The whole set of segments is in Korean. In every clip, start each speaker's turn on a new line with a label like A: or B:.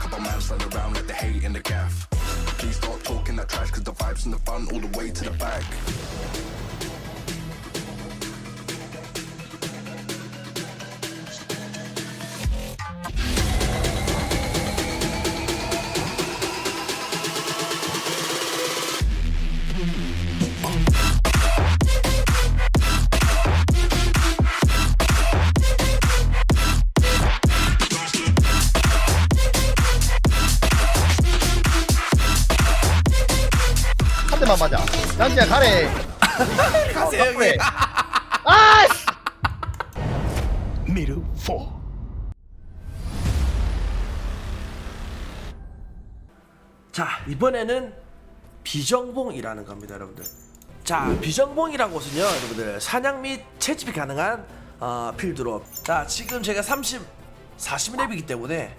A: But man stand around let the hate in the gaff. Please stop talking that trash cause the vibes and the fun all the way to the back.
B: 한 대만 맞아. 양지야 가래.
C: 가세요 형님.
B: 아이씨.
C: 미르 4. 자 이번에는 비정봉이라는 겁니다 여러분들. 자 비정봉이란 곳은요 여러분들 사냥 및 채집이 가능한 필드로. 자 지금 제가 40렙이기 때문에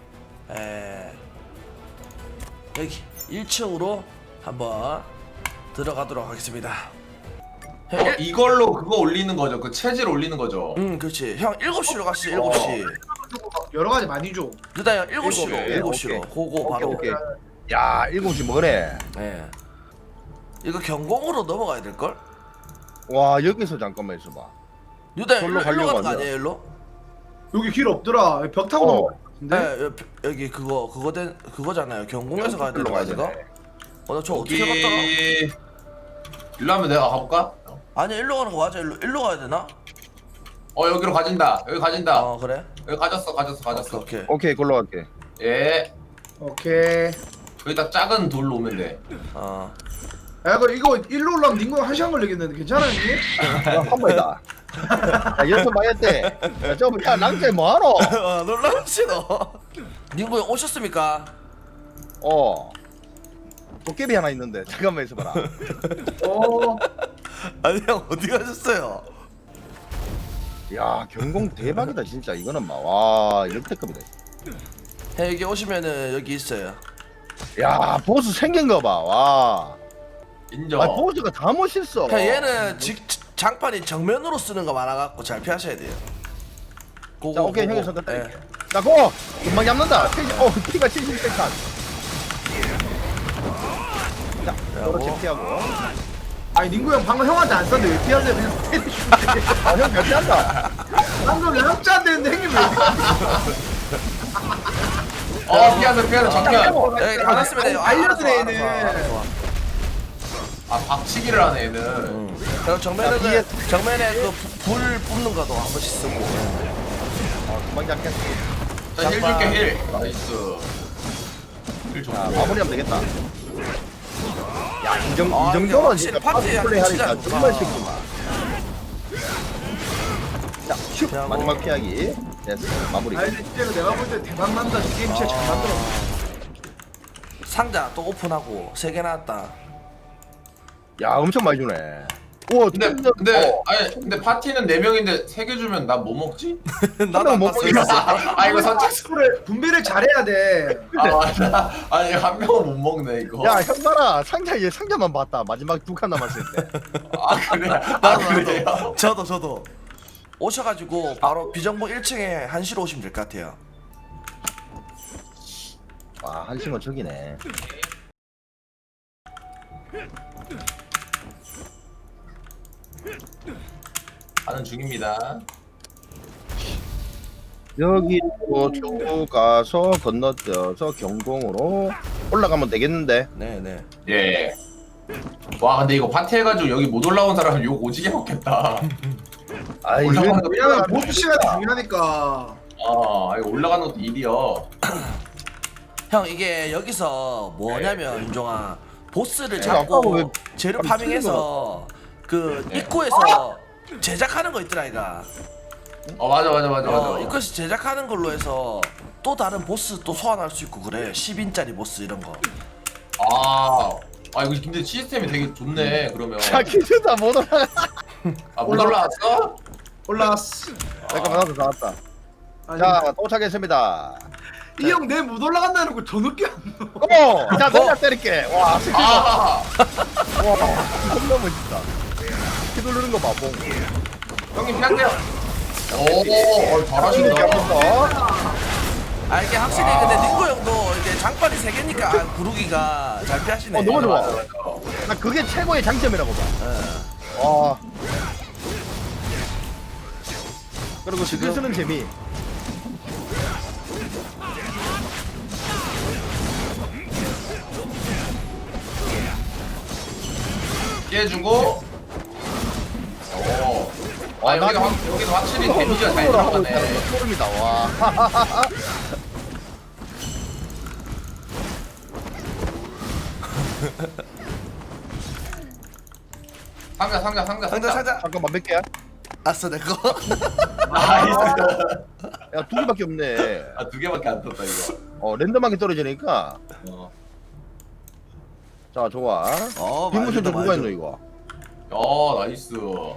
C: 여기 1층으로 한번 들어가도록 하겠습니다.
D: 이걸로 그거 올리는 거죠. 그 체질 올리는 거죠.
C: 그렇지. 형 7시로 가시죠. 7시.
E: 여러 가지 많이 줘.
C: 일단 형 7시로.
B: 오케이,
C: 7시로.
B: 오케이.
C: 고고 바로.
B: 오케이. 야, 7시 뭐래?
C: 예. 이거 경공으로 넘어가야 될 걸?
B: 와, 여기서 잠깐만 있어봐.
C: 유다
B: 절로
C: 일로
B: 가려고
C: 가는 거
B: 하냐?
C: 아니에요, 일로?
E: 여기 길 없더라. 벽 타고
B: 어.
E: 넘어갈 것 같은데.
C: 네, 여기 그거잖아요. 경공에서 가야 되는
B: 일로
C: 거
B: 가야
C: 아닌가?
B: 되네.
C: 나저 어떻게 갔다가?
D: 일로 하면 내가 가볼까?
C: 아니 일로 가는 거 맞아. 일로 가야 되나?
D: 여기로 가진다. 여기 가진다.
C: 그래?
D: 여기 가졌어.
C: 오케이.
B: 오케이, 걸로 갈게.
D: 예.
E: 오케이.
D: 여기다 작은 돌로 오면 돼.
E: 야, 이거 일로 올라면 닝구 1시간 걸리겠는데 괜찮아 형님?
B: 한 번이다. 야, 연습 많이 했대. 야, 야, 랑제 뭐하노?
C: 놀라우시 너. 닝구 형 오셨습니까?
B: 도깨비 하나 있는데 잠깐만 있어봐라.
E: 어.
C: 아니 형 어디 가셨어요?
B: 야, 경공 대박이다 진짜. 이거는 막 와, 역대급이다.
C: 형 여기 오시면은 여기 있어요.
B: 야, 보스 생긴 거 봐. 와.
D: 인정.
B: 아, 보스가 다 멋있어.
C: 형 얘는 장판이 정면으로 쓰는 거 많아갖고 잘 피하셔야 돼요. 고고,
B: 자, 오케이,
C: 고고.
B: 형이 선택
C: 예.
B: 할게. 자, 고! 금방 잡는다. 피가 76칸. 자, 그렇지, 피하고.
E: 아니 닝구 형 방금 형한테 안 쐈는데 왜 피하세요? 그냥 때리시면
B: 아, 형 몇 피한다.
E: 방금 랩자 안 되는데 형님 왜
D: 피하자. 정면.
C: 예, 받았으면 돼요.
E: 알려주네,
C: 알았어,
E: 얘는.
C: 알았어.
D: 박치기를 하네 얘는.
C: 그리고 정면에
B: 야,
C: 정면에 그 불 뿜는 거도 한 번씩 쓰고.
B: 금방 잡겠어.
D: 자, 힐 줄게 힐. 나이스. 힐
B: 자,
D: 좋고.
B: 마무리하면 되겠다. 야, 이
C: 이게
B: 정도면
C: 확실히
B: 진짜
C: 파티에
B: 파티 플레이
C: 진짜
B: 하니까
C: 좋다.
B: 정말 쉽구만. 자, 슉!
C: 피하고.
B: 마지막 피하기. 됐어, 마무리.
E: 아니 진짜 이거 내가 볼 때 대박 난다. 이 게임 진짜 잘 만들어.
C: 상자 또 오픈하고 3개 나왔다.
B: 야, 엄청 많이 주네. 우와,
D: 근데 파티는 4명인데 3개 주면 나 뭐 먹지?
C: 나도 안
B: 못
C: 봤어.
B: 먹겠어.
D: 이거 선착순.
E: 분배를 잘해야 돼.
D: 맞아. 아니 한 명은 못 먹네 이거.
B: 야, 형 봐라. 얘 상자만 봤다. 마지막 2칸 남았을 때.
D: 그래. 그래요?
C: 나도. 저도. 오셔가지고 바로 비정보 1층에 1시로 오시면 될 것 같아요.
B: 와, 한심은 저기네.
D: 가는 중입니다.
B: 여기로 쭉 가서 건너뛰어서 경공으로 올라가면 되겠는데.
C: 네네.
D: 예. 와 근데 이거 파티 해가지고 여기 못 올라온 사람은 욕 오지게 먹겠다.
B: 아,
D: 올라가는 거
E: 왜냐면 보스 시간이 중요하니까.
D: 이거 올라가는 것도 일이여.
C: 형 이게 여기서 뭐냐면 윤종아 보스를
B: 아까 왜
C: 잡고 재료
B: 아니,
C: 파밍해서 그
D: 네.
C: 입구에서 제작하는 거 있더라 이가.
D: 맞아.
C: 입구에서 제작하는 걸로 해서 또 다른 보스 또 소환할 수 있고 그래. 10인짜리 보스 이런 거.
D: 이거 근데 시스템이 되게 좋네 그러면.
B: 자, 기준다 못 올라가.
D: 못 올라왔어?
E: 올라왔어.
B: 잠깐만, 나도 나왔다.
E: 아니,
B: 자, 도착했습니다.
E: 이 형 내 못 올라간다는 거 더 늦게 안 넣어.
B: 어머! 자, 내가 때릴게. 와, 스킬 봐.
D: 아
B: 와, 겁나 멋있다. 키 누르는 거 봐, 봉.
D: 형님 피할게요. 오 잘하신다.
B: 이렇게 하면서.
C: 이게 확실히 근데 닝구 형도 이게 세 개니까 구르기가 잘 피하시네.
B: 너무 좋아.
D: 맞아.
B: 나 그게 최고의 장점이라고 봐.
C: 예.
B: 와. 그리고 스킬 쓰는 재미.
D: 피해주고. 오. 아 여기가 여기도 확실히 데미지가 잘 들어가네.
B: 소름이다. 와.
D: 상자.
C: 상자.
B: 잠깐만 몇 개야?
C: 아싸 내 거.
D: 나이스.
B: 야, 두 개밖에 없네.
D: 아두 개밖에 안 떴다 이거.
B: 랜덤하게 떨어지니까. 자, 좋아. 빈무선 좀 누가 있노 이거?
D: 야 나이스.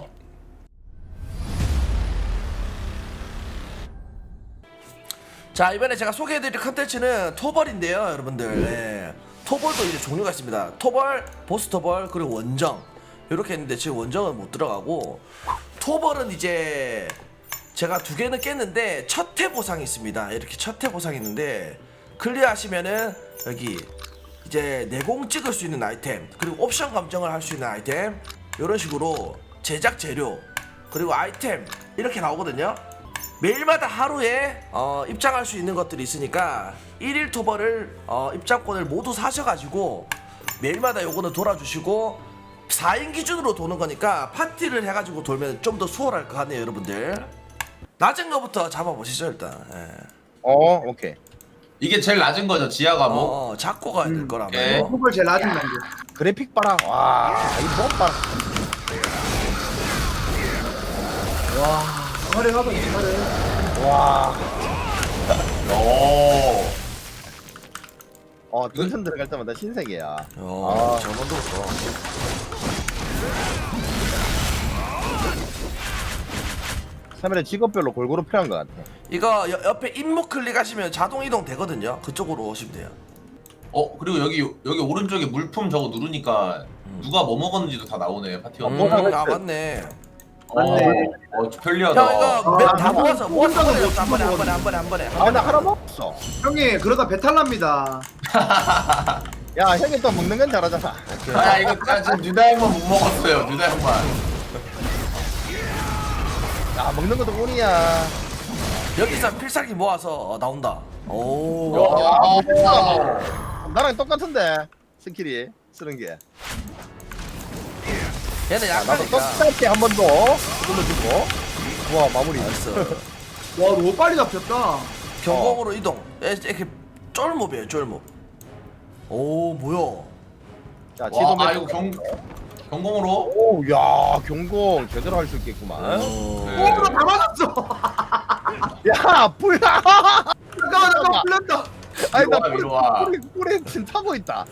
C: 자 이번에 제가 소개해드릴 컨텐츠는 토벌인데요 여러분들. 네. 토벌도 이제 종류가 있습니다. 토벌, 보스 토벌, 그리고 원정 이렇게 있는데 지금 원정은 못 들어가고, 토벌은 이제 제가 두 개는 깼는데 첫 회 보상이 있습니다. 이렇게 첫 회 보상이 있는데 클리어하시면은 여기 이제 내공 찍을 수 있는 아이템, 그리고 옵션 감정을 할 수 있는 아이템, 이런 식으로 제작 재료 그리고 아이템 이렇게 나오거든요. 매일마다 하루에 입장할 수 있는 것들이 있으니까 1일 토벌을 입장권을 모두 사셔가지고 매일마다 요거는 돌아주시고, 4인 기준으로 도는 거니까 파티를 해가지고 돌면 좀 더 수월할 것 같네요 여러분들. 낮은 거부터 잡아보시죠 일단. 예.
B: 오케이.
D: 이게 제일 낮은 거죠 지하 과목.
C: 잡고 가야 될 거라면.
D: 오케이.
E: 토벌 제일 낮은 단계.
B: 그래픽 봐라. 와, 이거 봐라.
E: 화려하다 화려해.
B: 와.
D: 오.
B: 등선 들어갈 때마다 신세계야.
C: 잘 만들었어.
B: 카메라 직업별로 골고루 필요한 것 같아.
C: 이거 옆에 임무 클릭하시면 자동 이동 되거든요. 그쪽으로 오시면 돼요.
D: 그리고 여기 오른쪽에 물품 저거 누르니까 누가 뭐 먹었는지도 다 나오네 파티가.
C: 아 맞네.
D: 편리하다.
C: 형 이거 다 모아서 한 번에.
B: 아, 나 하나 먹었어.
E: 형님 그러다 배탈 납니다.
B: 야, 형이 또 먹는 건 잘하잖아.
D: 아 이거 지금 뉴다 형만 못 먹었어요. 뉴다 형만.
B: 야, 먹는 것도 운이야.
C: 여기서 필살기 모아서 나온다. 오.
B: 나랑 똑같은데 스킬이 쓰는 게.
C: 얘는
B: 나도
C: 약하니까.
B: 똑같게 한 번 더 눌러주고. 와, 마무리.
C: 나이스.
E: 와 너무 빨리 잡혔다.
C: 경공으로 이동. 이렇게 쫄몹이에요 쫄몹. 오 뭐야?
B: 자,
D: 와, 이거 경공으로.
B: 오, 야, 경공 제대로 할 수 있겠구만.
E: 오, 다 맞았어.
B: 야, 불나.
E: 잠깐만 풀렸다.
B: 아니, 나
D: 이리 와.
B: 뿔에 지금 타고 있다.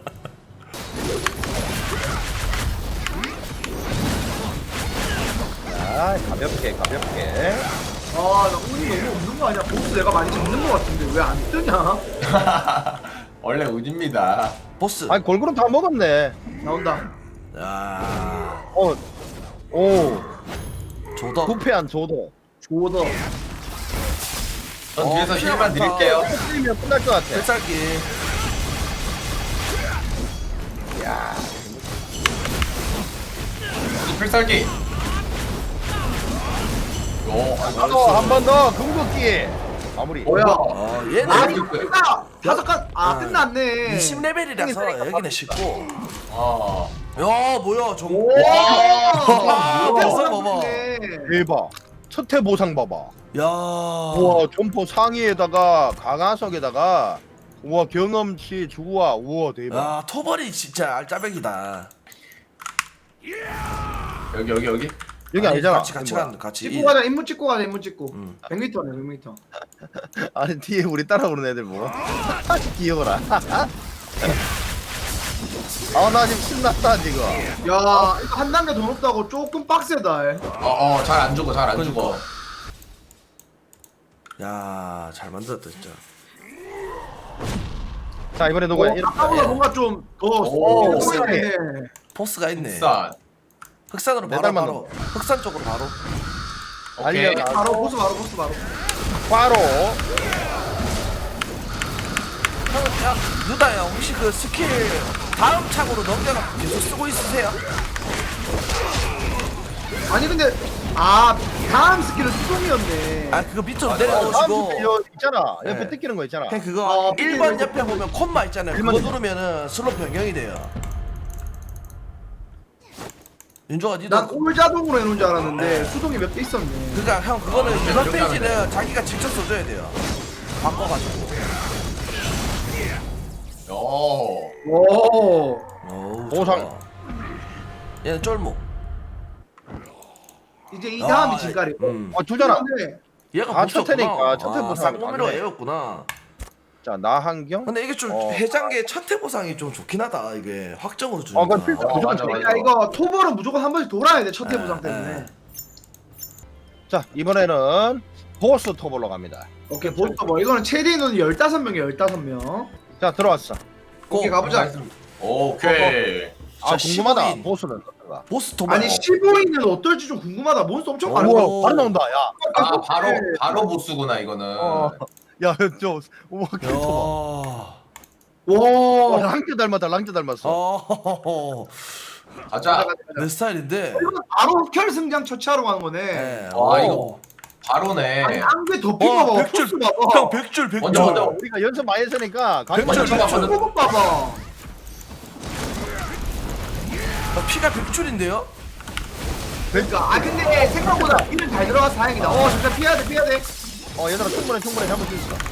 B: 자, 가볍게.
E: 아나 운이 너무 없는 거 아니야? 보스 내가 많이 잡는 거 같은데 왜 안 뜨냐?
D: 원래 운입니다.
C: 보스.
B: 아니, 골고루 다 먹었네.
E: 나온다.
C: 야.
B: 오,
C: 조덕.
B: 부패한 조도.
E: 조더.
D: 전 뒤에서 힐만 드릴게요.
B: 틀리면 끝날 것 같아.
C: 필살기.
B: 야,
D: 여기 필살기.
B: 한 번 더 궁극기. 마무리.
E: 뭐야?
C: 얘는
E: 아니 끝나. 다섯 칸.
C: 아.
E: 끝났네.
C: 20레벨이라서 여기는 쉽고.
D: 아.
C: 야 뭐야 좀.
E: 와.
C: 됐어, 봐봐.
B: 대박. 첫해 보상 봐봐.
C: 야.
B: 우와, 점포 상의에다가 강화석에다가 우와, 경험치 주와. 우와, 대박.
C: 야 토벌이 진짜 알짜배기다.
D: 여기.
B: 여기 아니잖아.
C: 같이
B: 뭐야.
C: 가는 같이.
E: 찍고 가자. 임무 찍고 가자. 임무 찍고.
C: 음.
E: 100m네 100m.
B: 아니, 뒤에 우리 따라오는 애들 뭐. 귀여워라. 나 지금 신났다 지금.
E: 야 이거 한 단계 더 높다고 조금 빡세다.
D: 잘 안 죽어.
C: 야잘 만들었다 진짜.
B: 자, 이번에 누구야?
E: 아까보다 뭔가 좀 더.
D: 오,
E: 보이네.
C: 포스가 있네.
D: 흑산.
C: 흑산으로
B: 매달
C: 바로 흑산 쪽으로 바로.
D: 오케이.
B: 알려.
E: 바로 보스 바로.
B: 바로.
C: 야 누다야 혹시 그 스킬 다음 창으로 넘겨가 계속 쓰고 있으세요?
E: 아니 근데 아 다음 스킬은 수동이었네.
C: 아 그거 밑으로
B: 다음
C: 내려놓으시고
B: 스킬 여 있잖아. 옆에
C: 네.
B: 뜯기는 거 있잖아.
C: 그냥 그거
E: 아,
C: 1번 옆에 보면 콤마 있잖아요. 그거
B: 1번
C: 누르면은 슬로 변경이 돼요. 윤종아 니도
E: 난 올 자동으로 해놓은 줄 알았는데 수동이 몇 개 있었네.
C: 그러니까 형 그거는
D: 이렇게
C: 유선
D: 하면
C: 페이지는 자기가 직접 써줘야 돼요. 바꿔가지고.
D: 오.
E: 오.
C: 어우,
B: 보상.
C: 좋아. 얘는 쫄목.
E: 이제 이 다음이
C: 아,
E: 진가리.
B: 주잖아.
E: 근데
C: 얘가
B: 아,
C: 보스였구나.
B: 첫 회니까, 첫 회
C: 아,
B: 보상
C: 쌍놈이로
B: 맞네.
C: 얘였구나.
B: 자, 나한경.
C: 근데 이게 좀
B: 어.
C: 해장계 첫회 보상이 좀 좋긴 하다. 이게 확정으로 주니까.
B: 그건 필수.
D: 어, 맞아, 맞아.
E: 야 이거 토벌은 무조건 한 번씩 돌아야 돼 첫회
C: 네,
E: 부상 때문에.
C: 네.
B: 자, 이번에는 보스 토벌로 갑니다.
E: 오케이 보스터 뭐 이거는 최대 인원이 15명이야 15명.
B: 자, 들어왔어.
E: 오케이 가보자.
D: 오케이.
B: 아,
C: 자,
B: 궁금하다.
C: 15인.
B: 보스는 어떤가?
C: 보스 도발.
E: 아니 15인은 어떨지 좀 궁금하다. 몬스터 엄청 많은
C: 오.
E: 거.
B: 우와, 바로 나온다. 야.
D: 아 바로 보스구나 이거는.
B: 야, 저 우와,
C: 야.
B: 캐릭터
E: 와.
B: 봐. 랑자 닮았다. 랑자 닮았어.
C: 어.
D: 가자.
C: 내 스타일인데.
E: 이건 바로 혈승장 처치하러 가는 거네.
C: 네.
D: 와, 이거. 바로네.
E: 아니 안개 덮인 거 봐봐. 포스 봐봐.
C: 형 100줄 100줄.
D: 먼저.
B: 우리가 연습 많이 했으니까
C: 백줄,
B: 가자.
C: 백줄.
D: 먼저
E: 포급 봐봐.
C: 피가 100줄인데요?
E: 그러니까 아 근데 생각보다 피는 잘 들어가서 다행이다. 진짜 피해야 돼 피해야 돼.
B: 얘들아 충분해 잡을 수 있어.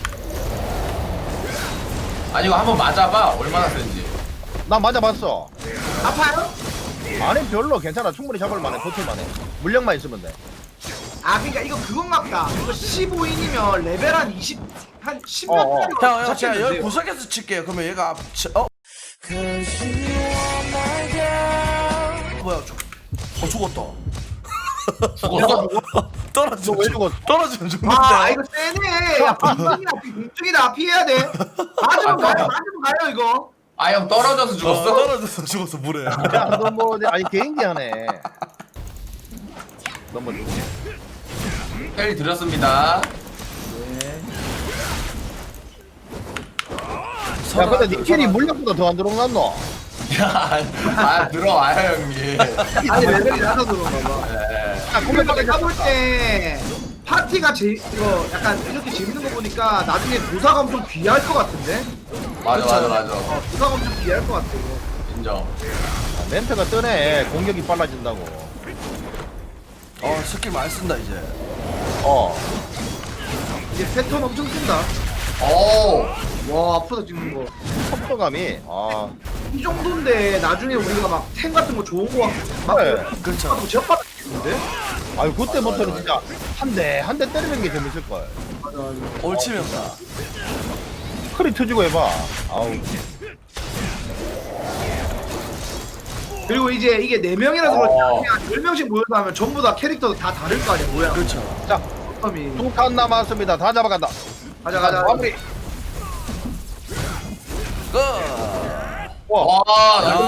D: 아니 이거 한번 맞아봐. 얼마나 센지.
B: 나 맞아봤어.
E: 아파요?
B: 아니 별로 괜찮아. 충분히 잡을 만해. 버틸 만해. 물량만 있으면 돼.
E: 아 그러니까 이거 그건가 보다. 이거 15인이면 레벨 한 20, 한 10몇
B: 어.
E: 짜리
C: 형 제가 여기 구석에서 칠게요. 그러면 얘가 뭐야 죽었다.
D: 죽었어?
B: 너 왜 죽었어?
C: 떨어지면 죽는데.
E: 아 이거 세네. 야 공중이다 피해야 돼. 맞으면 가요 이거.
D: 아 형 떨어져서 죽었어?
C: 떨어져서 죽었어 물에.
B: 야, 너 뭐, 아니 개인기 하네. 너뭐
D: 헬 드렸습니다.
B: 야, 근데 니킬이 물량보다 더 안 들어갔노?
D: 야, 들어와요 형님.
E: 아니 레벨이 낮아서 그런가 봐.
D: 네.
B: 아,
E: 근데 내가 볼 때 파티가 이거 약간 이렇게 재밌는 거 보니까 나중에 도사가 엄청 귀할 것 같은데?
D: 맞아.
E: 도사가 엄청 귀할 것 같아 이거.
D: 인정.
B: 멘트가 뜨네. 공격이 빨라진다고.
C: 스킬 많이 쓴다 이제.
E: 이제 패턴 엄청 쓴다.
D: 오.
E: 와 아프다 찍는 거.
B: 속도감이.
E: 이 정도인데 나중에 우리가 막 탱 같은 거 좋은 거 막
B: 그래.
E: 그렇죠. 제압받았는데?
B: 아유, 그때부터는 진짜 한 대 때리는 게 재밌을걸.
C: 옳치면다.
B: 크리 터지고 해봐. 아우.
E: 그리고 이제 이게 4명이라서 그렇지
D: 어.
E: 그냥 10명씩 모여서 하면 전부 다 캐릭터도 다 다를 거 아니야 뭐야.
C: 그렇죠.
B: 자,
E: 이
B: 2칸 남았습니다. 다 잡아간다.
E: 가자.
B: 마무리.
C: 끝.
B: 와.
D: 와, 나이스.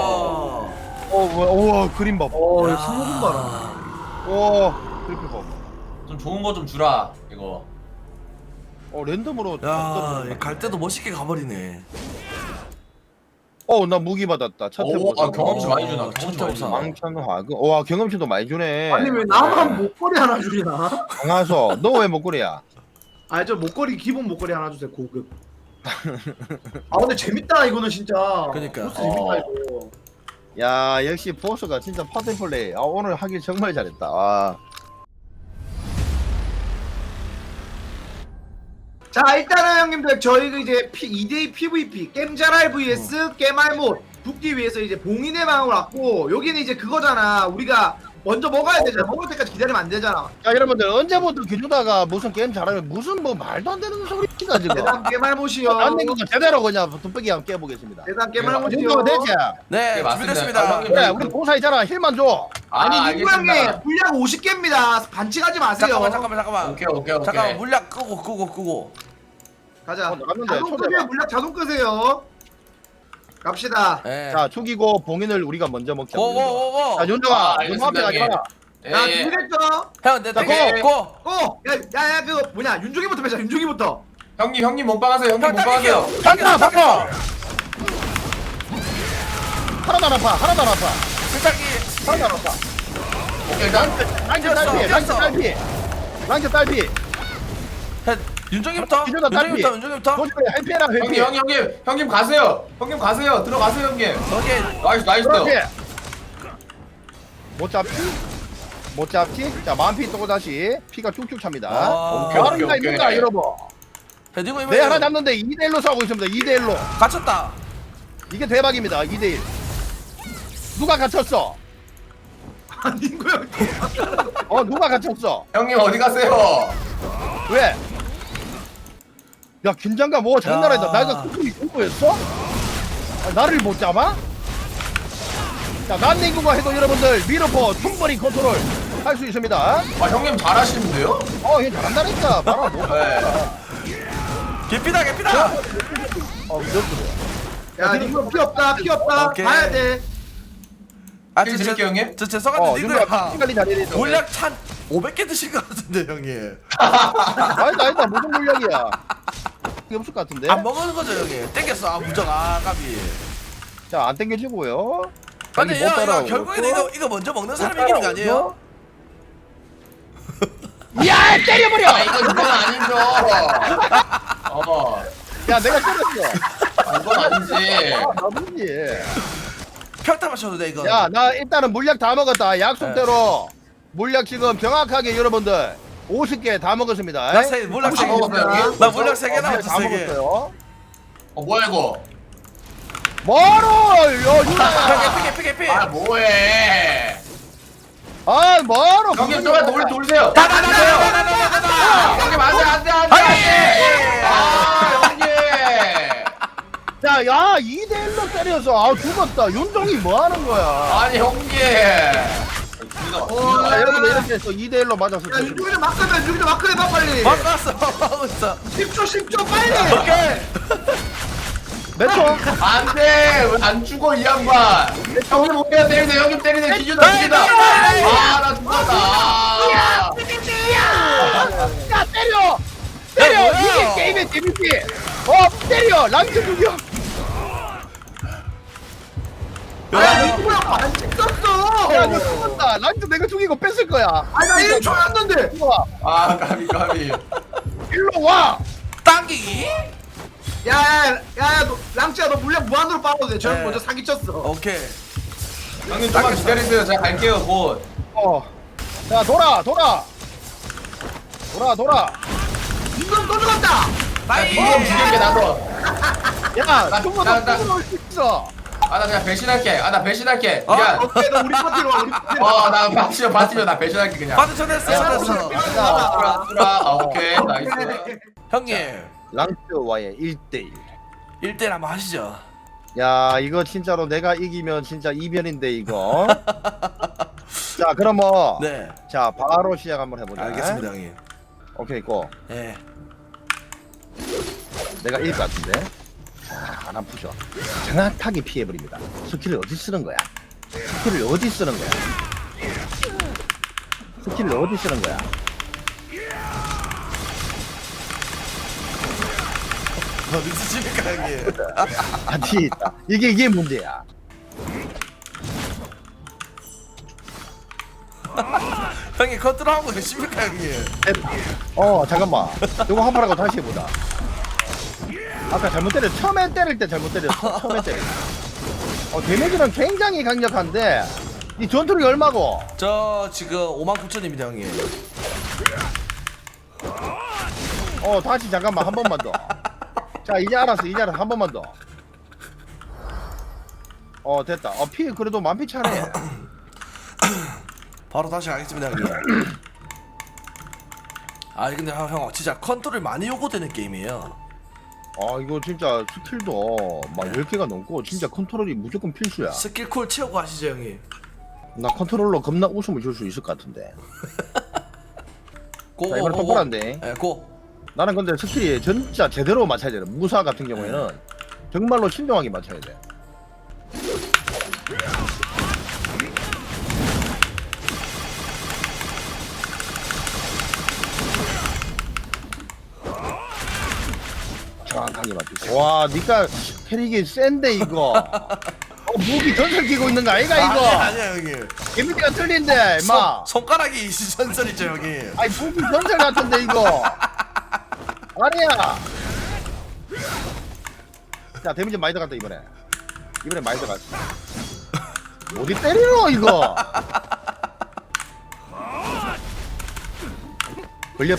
B: 우와, 그림 봐.
E: 이거 승모금 봐라.
B: 와, 트리플 봐.
D: 좀 좋은 거 좀 주라 이거.
B: 랜덤으로.
C: 갈 때도 멋있게 가버리네.
B: 나 무기 받았다. 첫
D: 오,
B: 해보자.
D: 경험치 많이 주나?
C: 첫
D: 경험치 많이
C: 해보자.
D: 주나?
B: 망천화. 와, 경험치도 많이 주네.
E: 아니 왜 나만 목걸이 하나 주리나?
B: 강하소, 너 왜 목걸이야?
E: 아니 저 목걸이 기본 목걸이 하나 주세요 고급. 아 근데 재밌다 이거는 진짜.
C: 그러니까.
E: 보스 재밌다 이거.
B: 야, 역시 보스가 진짜 파티 플레이. 오늘 하길 정말 잘했다.
E: 자 일단은 형님들 저희가 이제 2대2 PVP 겜자랄 vs 깨말못 붙기 위해서 이제 봉인의 방을 왔고 여기는 이제 그거잖아. 우리가 먼저 먹어야 되잖아. 먹을 때까지 기다리면 안 되잖아.
B: 자, 여러분들 언제부터 기주다가 무슨 게임 잘하면 무슨 뭐 말도 안 되는 소리가 지금.
E: 대단 깨말못이요.
B: 안 된 거 제대로 그냥 둠배기 한번 깨보겠습니다.
E: 대단
B: 이
E: 깨말못이요.
B: 정도면 되지?
C: 네,
D: 네, 맞습니다.
C: 준비됐습니다.
D: 아, 형님.
B: 그래, 우리 보사 있잖아. 힐만 줘.
E: 아니 니구 형님
D: 알겠습니다.
E: 분량 50개입니다. 반칙하지 마세요.
C: 잠깐만.
D: 오케이.
C: 잠깐만 물약 끄고.
E: 가자.
B: 나갔는데,
E: 자동
B: 초대봐.
E: 끄세요. 물량 자동 끄세요. 갑시다.
C: 네.
B: 자, 죽이고 봉인을 우리가 먼저 먹자.
C: 고고고고.
B: 자, 윤정아,
D: 아,
B: 너
D: 알겠습니다,
B: 앞에 가잖아.
E: 자
D: 예.
E: 준비됐죠?
C: 형, 내
B: 자,
C: 고.
E: 야야야 그거 뭐냐 윤종이부터 빼자. 윤종이부터.
D: 형님 몸빵하세요. 형님 몸빵하세요.
B: 간다 바꿔. 하나도 안 아파. 하나도 안 아파.
C: 세탁기.
B: 하나도 안 아파.
D: 오케이 일단
B: 랑캐 딸피. 랑캐 딸피. 랑캐 딸피.
C: 윤정이부터.
B: 기존다 딸피.
C: 윤정이부터.
B: 도저히 해피해라 해피.
D: 형님 가세요. 형님 가세요. 들어가세요 형님.
C: 오케이.
D: 나이스.
B: 그렇지. 못 잡지? 못 잡지? 자 만피 또 다시 피가 쭉쭉 찹니다.
C: 아,
D: 오케이,
B: 다른 거
D: 오케이.
B: 있는가 여러분?
C: 헤딩
B: 내 하나 잡는데 2대1로 싸우고 있습니다. 2대1로.
C: 갇혔다.
B: 이게 대박입니다. 2대1. 누가 갇혔어?
E: 아닌 거야.
B: 누가 갇혔어?
D: 형님 어디 가세요?
B: 왜? 야 긴장감 뭐 장난 아니다.
C: 야.
B: 내가 쿠쿠이 공부했어? 나를 못 잡아? 자 난닝구가 해도 여러분들 미러포 충분히 컨트롤 할 수 있습니다.
D: 아 형님 잘하시는데요?
B: 얘 잘한다니까. 봐라 뭐.
D: 네.
C: 개피다.
B: 이렇게.
E: 야 이거 피 없다.
C: 오케이.
E: 봐야 돼.
D: 힐 드릴게요, 형님.
C: 저 죄송한데
B: 윤우야
C: 니들
B: 피 관리 잘해야 돼.
C: 물약 한 500개 드신 것 같은데 형님.
B: 아니다 무슨 물량이야. 이게 없을 것 같은데.
C: 안 먹는 거죠 형님. 땡겼어. 무적 까비.
B: 자 안 땡겨지고요.
C: 근데
B: 못
C: 이거
B: 따라오고.
C: 결국에는 이거 먼저 먹는 사람이 이기는 거 아니에요?
B: 야 때려버려.
D: 이건 아니죠.
B: 야 내가 때렸어.
D: 이건 아니지.
B: 나쁘지.
C: 평타 맞춰도 돼 이거.
B: 야 나 일단은 물약 다 먹었다. 약속대로 물약 지금 정확하게 여러분들 50개 다 먹었습니다.
C: 나 물약
D: 다
C: 3개.
D: 먹었어요, 형님?
C: 나 물약 3개
B: 물약
C: 남았어
B: 다
C: 3개.
B: 먹었어요.
D: 뭐야 이거?
B: 뭐로?
C: 개피.
D: 아 뭐해?
B: 뭐로?
D: 형님 좀만 돌세요.
C: 다다다다다다다.
D: 형님 안돼. 아 형님.
B: 자, 야 2대1로 때려서 죽었다. 윤종이 뭐 하는 거야?
D: 아니 형님.
B: 자, 여러분들 이렇게 해서 2대1로 맞았을
E: 야
B: 때.
E: 윤종이를 막 끄면 윤종이 막 끄내봐 빨리.
C: 바꿨어. 하고 있어.
E: 10초 빨리.
C: 오케이.
B: 몇 초?
D: 안돼 왜 안 죽어 이 양반. 형님 오케이 때리세요. 형님 때리세요. 기준다. 아나 죽었다.
B: 야 때려! 때려!
C: 뭐야?
B: 이게 게임의 재밌지! 때려! 랑스 죽여!
E: 야 윤종이랑 반칙 썼어.
B: 야 너 죽었다! 랑스 내가 죽이고 뺐을 거야!
E: 아니 나 1초였는데.
B: 일로 와!
D: 아 까비.
B: 일로 와!
C: 당기기.
E: 야야야 랑치야 너 물량 무한으로 빨아도 돼. 저 형
C: 네.
E: 먼저 사기 쳤어.
C: 오케이.
D: 형님 좀만 기다리세요. 제가 갈게요 곧.
B: 자 돌아!
E: 윤종 또 죽었다.
C: 나이.
D: 이거 죽일게 나도.
B: 야! 죽어도
D: 나-
B: 죽어올 수 있어!
D: 아 나 그냥 배신할게. 나 배신할게.
C: 어?
D: 미안.
E: 오케이 너 우리 파티로 와. 우리 파티로.
D: 나 바티면 나 배신할게 그냥.
C: 받은 전했어.
D: 오케이 나이스.
C: 형님
B: 랑스와의 1대1
C: 1대1 한번 하시죠.
B: 야 이거 진짜로 내가 이기면 진짜 이변인데 이거 자 그럼
C: 네.
B: 자 바로 시작 한번 해보자.
C: 알겠습니다 형님.
B: 오케이 고.
C: 예.
B: 내가 이길 것 같은데. 자, 안 아프죠? 정확하게 피해버립니다. 스킬을 어디 쓰는 거야? 스킬을 어디 쓰는 거야?
C: 어디 쓰십니까 형님?
B: 아니, 이게 문제야.
C: 형님 컨트롤하고 계십니까 형님?
B: 잠깐만. 이거 한 번 하고 다시 해보자. 아까 잘못 때렸어. 처음에 때릴 때 잘못 때렸어. 처음에 때릴 때. 데미지는 굉장히 강력한데 이 전투력이 얼마고?
C: 저 지금 59,000입니다 형님.
B: 다시 잠깐만 한 번만 더. 자 이제 알았어 한 번만 더. 됐다. 피 그래도 만피 차네.
C: 바로 다시 가겠습니다 형님. 근데 형 진짜 컨트롤 많이 요구되는 게임이에요.
B: 이거 진짜 스킬도 막 10개가 넘고 진짜 컨트롤이 무조건 필수야.
C: 스킬 콜 채우고 하시죠 형님.
B: 나 컨트롤러 겁나 웃음을 줄 수 있을 것 같은데.
C: 고.
B: 자, 이번엔 똑바로인데.
C: 예, 고.
B: 나는 근데 스킬이 진짜 제대로 맞춰야 돼. 무사 같은 경우에는 정말로 신중하게 맞춰야 돼. 정확하게 맞추지. 와, 니가 캐릭이 센데 이거. 무기 전설 끼고 있는 거 아이가 이거?
C: 아니야 형님.
B: 개미가 틀린데, 임마.
C: 손가락이 전설이죠 형님.
B: 아니 무기 전설 같은데 이거. 아니야. 자, 데미지 많이 들어갔다 이번에. 이번에 많이 들어갔어. 어디 때리노 이거? 걸렸지.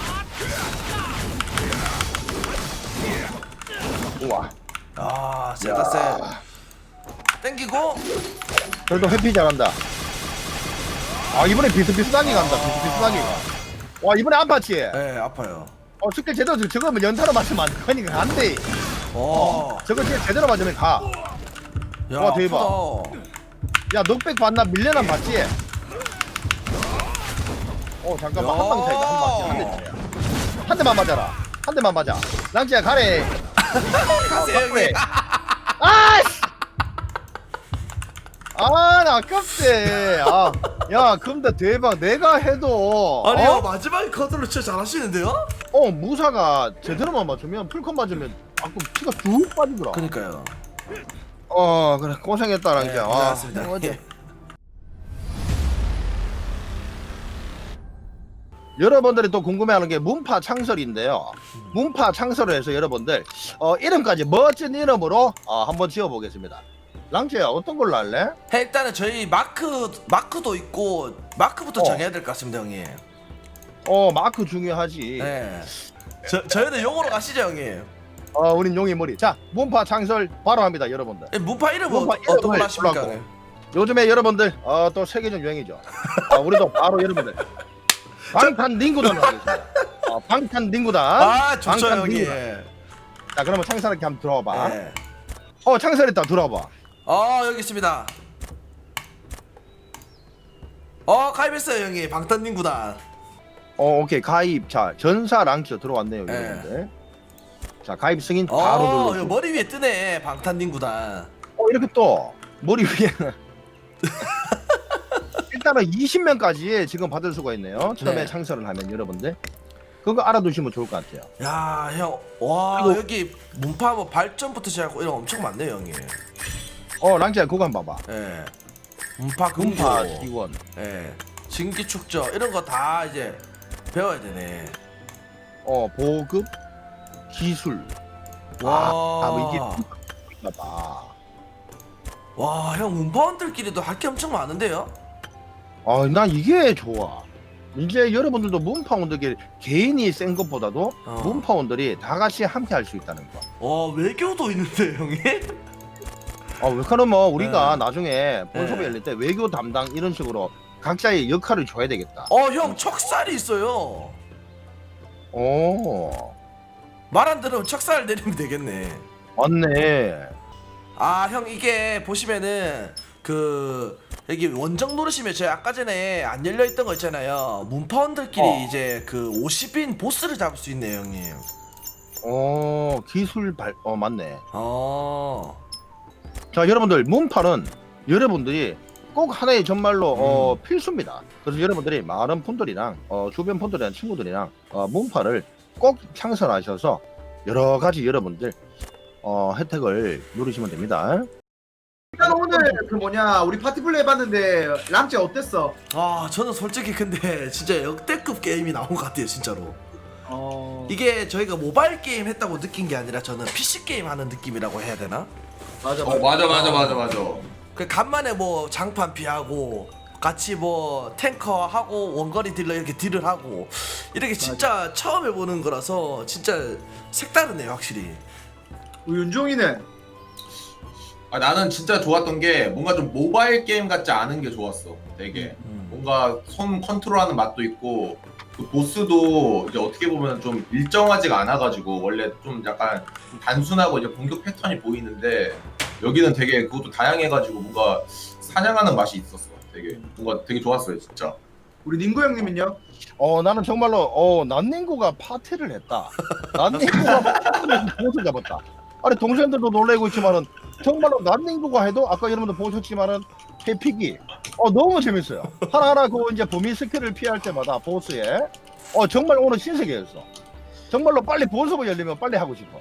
B: 우와.
C: 아 세다세. 땡기고.
B: 그래도 회피 잘한다. 아 이번에 비슷비슷하게 간다. 비슷비슷하게 가. 와 이번에 안 봤지?
C: 네 아파요.
B: 스킬 제대로 저거 뭐 연타로 맞으면 안 되니까 안 돼. 저거 제대로 맞으면 가.
C: 야,
B: 와, 대박.
C: 아프다.
B: 야 넉백 봤나? 밀레난 봤지? 잠깐만
C: 야.
B: 한 방 차이다. 한 대 차이야. 한 대만 맞아라. 한 대만 맞아. 랑지야 가래.
C: 가세요 형님.
B: 아이씨. 나 아깝대. 야 근데 대박. 내가 해도
C: 아니요 마지막에 커트로 진짜 잘하시는데요?
B: 무사가 제대로만 맞추면 풀컷 맞으면 아까 피가 쭉 빠지더라.
C: 그니까요.
B: 그래 고생했다 랑지야.
C: 네, 고생하셨습니다.
B: 어째. 여러분들이 또 궁금해하는 게 문파 창설인데요. 문파 창설을 해서 여러분들 이름까지 멋진 이름으로 한번 지어보겠습니다. 랑지야 어떤 걸로 할래?
C: 일단은 저희 마크도 있고 마크부터 정해야 될 것 같습니다 형님.
B: 마크 중요하지.
C: 네. 저희는 용어로 가시죠 형님.
B: 우린 용의 머리. 자 문파 창설 바로 합니다 여러분들.
C: 문파 이름은
B: 문파
C: 어떤 걸로
B: 이름을
C: 하십니까?
B: 골랐고.
C: 네.
B: 요즘에 여러분들 또 세계적 유행이죠. 우리도 바로 여러분들 방탄닝구단으로 하겠습니다. 방탄닝구단.
C: 아 좋죠 형님.
B: 방탄닝구단. 자 그러면 창설하게 한번 들어와봐.
C: 네.
B: 창설했다 들어와봐.
C: 여기 있습니다. 가입했어요 형님. 방탄닝구단.
B: 오케이 가입. 자 전사 랑치 들어왔네요
C: 네.
B: 여러분들. 자 가입 승인 바로 눌러.
C: 이거 머리 위에 뜨네 방탄닝구단.
B: 이렇게 또 머리 위에는 일단은 20명까지 지금 받을 수가 있네요. 처음에
C: 네.
B: 창설을 하면 여러분들 그거 알아두시면 좋을 것 같아요.
C: 야 형, 와
B: 그리고-
C: 여기 문파 뭐 발전부터 시작하고 이런 거 엄청 많네요 형님.
B: 랑치야 그거 한번 봐봐.
C: 예. 문파 금고.
B: 문파 기원.
C: 예. 진기 축저 이런 거 다 이제 배워야 되네.
B: 보급 기술.
C: 와.
B: 뭐 이게 봐.
C: 와, 형 문파원들끼리도 할 게 엄청 많은데요?
B: 난 이게 좋아. 이제 여러분들도 문파원들끼리 개인이 센 것보다도 문파원들이 다 같이 함께 할 수 있다는 거.
C: 외교도 있는데 형님?
B: 왜 그러면 우리가
C: 네.
B: 나중에 본섭에 열릴 때 외교 담당 이런 식으로 각자의 역할을 줘야 되겠다.
C: 형 척살이 있어요. 말 안 들으면 척살 내리면 되겠네.
B: 맞네.
C: 형 이게 보시면은 여기 원정 누르시면 제가 아까 전에 안 열려 있던 거 있잖아요. 문파원들끼리 이제 50인 보스를 잡을 수 있네요, 형님.
B: 기술 맞네.
C: 어.
B: 자, 여러분들 문파는 여러분들이 꼭 하나의 정말로 필수입니다. 그래서 여러분들이 많은 분들이랑 주변 분들이랑 친구들이랑 문파를 꼭 창설하셔서 여러 가지 여러분들 혜택을 누리시면 됩니다.
E: 일단 오늘 우리 파티플레이 해봤는데 랑찌 어땠어?
C: 저는 솔직히 근데 진짜 역대급 게임이 나온 것 같아요, 진짜로. 이게 저희가 모바일 게임 했다고 느낀 게 아니라 저는 PC 게임 하는 느낌이라고 해야 되나?
E: 맞아
D: 맞아.
C: 간만에 뭐 장판 피하고 같이 뭐 탱커 하고 원거리 딜러 이렇게 딜을 하고 이렇게 진짜 처음 해보는 거라서 진짜 색다르네요, 확실히.
E: 우리 윤종이는
D: 나는 진짜 좋았던 게 뭔가 좀 모바일 게임 같지 않은 게 좋았어. 되게 뭔가 손 컨트롤하는 맛도 있고 그 보스도 이제 어떻게 보면 좀 일정하지가 않아가지고 원래 좀 약간 좀 단순하고 이제 공격 패턴이 보이는데 여기는 되게 그것도 다양해가지고 뭔가 사냥하는 맛이 있었어. 되게 뭔가 되게 좋았어요, 진짜.
E: 우리 닝구 형님은요?
B: 나는 정말로 난닝구가 파티를 했다. 난닝구가 보스 잡았다. 아니 동생들도 놀래고 있지만은 정말로 난닝구가 해도 아까 여러분들 보셨지만은 해피기 너무 재밌어요. 하나하나 이제 범위 스킬을 피할 때마다 보스에 정말 오늘 신세계였어. 정말로 빨리 본섭을 열리면 빨리 하고 싶어.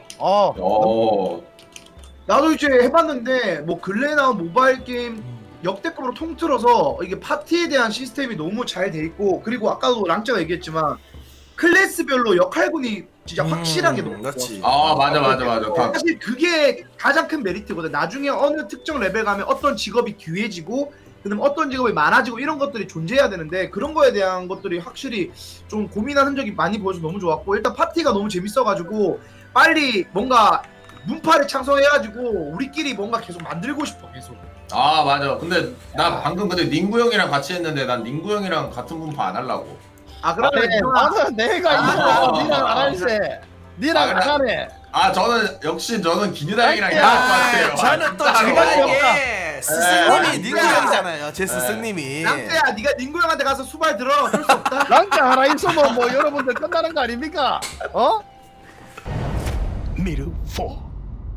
E: 나도 이제 해봤는데 뭐 근래에 나온 모바일 게임 역대급으로 통틀어서 이게 파티에 대한 시스템이 너무 잘 돼 있고 그리고 아까도 랑짜가 얘기했지만 클래스별로 역할군이 진짜 확실하게 너무
C: 그렇지.
E: 좋았어.
D: 맞아.
E: 사실 그게 가장 큰 메리트거든. 나중에 어느 특정 레벨 가면 어떤 직업이 귀해지고 그다음 어떤 직업이 많아지고 이런 것들이 존재해야 되는데 그런 거에 대한 것들이 확실히 좀 고민한 흔적이 많이 보여서 너무 좋았고 일단 파티가 너무 재밌어가지고 빨리 뭔가 문파를 창설해가지고 우리끼리 뭔가 계속 만들고 싶어 계속.
D: 맞아. 근데 나 방금 닝구 형이랑 같이 했는데 난 닝구 형이랑 같은 분파 안 하려고.
E: 그러면
B: 나는 내가 이거 니랑 안 할세. 니랑 안 하네.
D: 저는 기니당이랑 해야 할 것 같아요.
C: 저는 또 제가 이게 스승님이 닝구 형이잖아요. 제 스승님이.
E: 랑짜야 네가 닝구 형한테 가서 수발 들어. 어쩔 수 없다.
B: 랑자 하나 있으면 뭐 여러분들 끝나는 거 아닙니까? 어?
A: Middle 4.